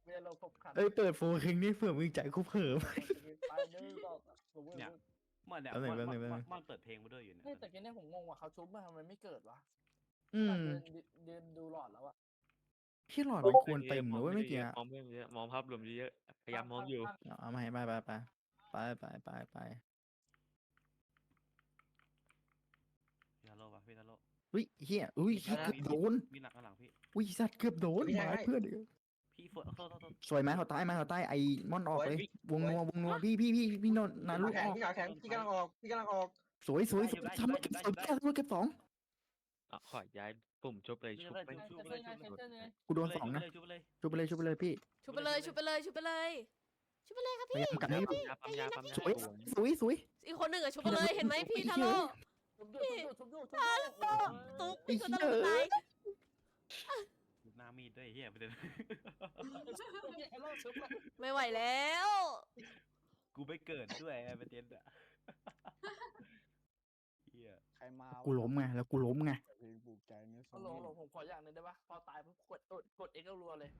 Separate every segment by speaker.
Speaker 1: เรียนเราครบขัน
Speaker 2: เอ้ยเปิดโฟร์คิงนี่เผื่อมึงใจกูเผลอไป
Speaker 1: ไปนึงก็สมมติ
Speaker 3: เนี่ยมันเนี่ย
Speaker 2: แป๊บนึง
Speaker 3: มันเปิดเพลงมาด้วยอยู่เนี่ย
Speaker 1: เฮ้ยแต่แกเนี่ยผมงงว่าเขาชุบมาทำไมไม่เกิดวะ
Speaker 2: อืม
Speaker 1: เดินดูหลอดแล้วอะ
Speaker 2: ที่หลอดมันควรเต็มหรือว่าไม่เกี่ย
Speaker 4: มองไม่เยอะมองภาพรวมเยอะพยายามมองอยู่
Speaker 2: เอามาให้ไปไป
Speaker 3: พี่ทาโร่ปะพี่ทาโร่
Speaker 2: อุ้ยเฮียอุ้ยเกือบโดน
Speaker 3: มีหลังข้างหลังพี่
Speaker 2: อุ้ยสัตว์เกือบโดนหมายเพื่อนดิ
Speaker 3: พี่ฝนโทษ
Speaker 2: สวยไหมเขาใต้ไอ้ม่อนออกเลยวงนัวพี่นนนาลูกออก
Speaker 5: พี่ขาแข็งพี่กำลังออก
Speaker 2: สวยทำมาเก็บเก็บสอง
Speaker 4: ขอย้ายปุ่มชุบเลย
Speaker 3: ชุ
Speaker 4: ชุ
Speaker 3: บบ เลย
Speaker 4: ไป
Speaker 3: ชุบเลย
Speaker 2: กูโดนสองนะ
Speaker 3: ชุบเลย
Speaker 2: ชุบไปเลยพี่
Speaker 6: ชุบไปเลยครับ
Speaker 2: พยายามกันให้
Speaker 4: ปั๊มยา
Speaker 2: สวย
Speaker 6: อีกคนหนึ่งอะชุบไปเลยเห็นไหมพี่ทาโร่ตุ๊กพี่ก็ต้องตาย
Speaker 3: หน้ามีดด้วยเฮียประเด็น
Speaker 6: ไม่ไหวแล้ว
Speaker 3: กูไม่เกิดด้วยประเด็นอะเฮีย
Speaker 1: ใครมา
Speaker 2: กูล้มไงแล้วกูล้มไง
Speaker 1: เพลงปลูกใจเนี่ยหลงผมขออย่างหนึงได้ปะพอตายปุ๊บกด X รัวเลย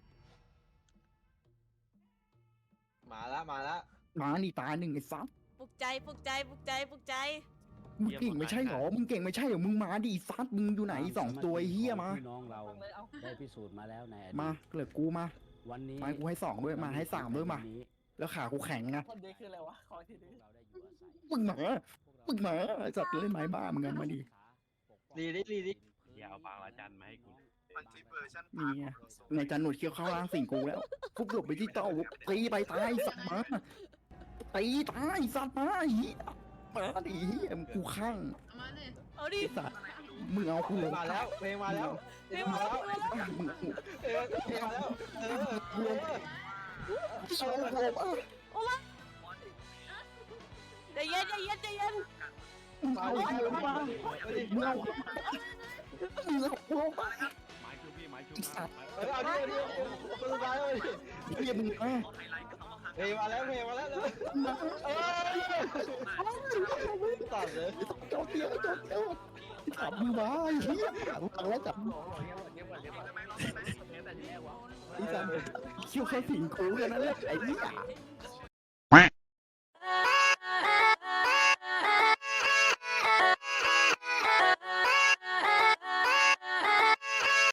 Speaker 5: มาละ
Speaker 2: มานี่ตายหนึ่งไอ้ซับ
Speaker 6: ปลุกใจ
Speaker 2: มึงเก่งไม่ใช่หรอมึงมาดิซัดมึงอยู่ไหนสองตัวเฮียมา
Speaker 7: พี่น้องเรา
Speaker 1: ฟังเลยเอา
Speaker 7: ได้พิสูจน์มาแล้วในอดีต
Speaker 2: มาเหลือกูมา
Speaker 7: วันนี้
Speaker 2: มากูให้สองด้วยมาให้สามด้วยมา
Speaker 7: วันนี้
Speaker 2: แล้วขากูแข็งนะ
Speaker 1: คนเด็กคืออะไรวะขอที
Speaker 7: พว
Speaker 1: นี้
Speaker 7: กเราได้อยู่อาศัย
Speaker 2: มึงมาไอ้สัตว์เล่นไม้บ้ามึงกันมาดิ
Speaker 5: ลีดิ
Speaker 3: อย่าเอาปากละจันมาให้กู
Speaker 2: นี่ไงในจันหนวดเคี้ยวเข้าล่างสิ่งกูแล้วฟุกหลบไปที่เต้าตีไปตายสัตว์มาตีตายสัตว์มาเฮียมาดิเฮียมึงกูข้าง
Speaker 6: เอาดิ
Speaker 2: ไอ้สัตว์มึงเอากูลง
Speaker 5: มาแล้วเพลงมาแล้ว
Speaker 2: มึง
Speaker 5: เพลงมาแล้ว
Speaker 2: กูลง
Speaker 6: ใจเย็น
Speaker 2: มึงเอากูลงมามึงเอากูลงมา
Speaker 3: ไม้ชุบพี่ไม้ชุบ
Speaker 5: เอาดิคนสุดท้ายเลย
Speaker 2: เฮียมึงมา
Speaker 5: เพลงมาแล้วตัดเลย
Speaker 2: จบเดียวจับมือมาเฮียฟังแล้วจับ
Speaker 1: หลงเดี๋ยวก่อนแต่ที่แรกวะ
Speaker 2: ไอ้สัตว์คิวแค่สิ่งกูกันนั่นแหละไอ้เหี้ย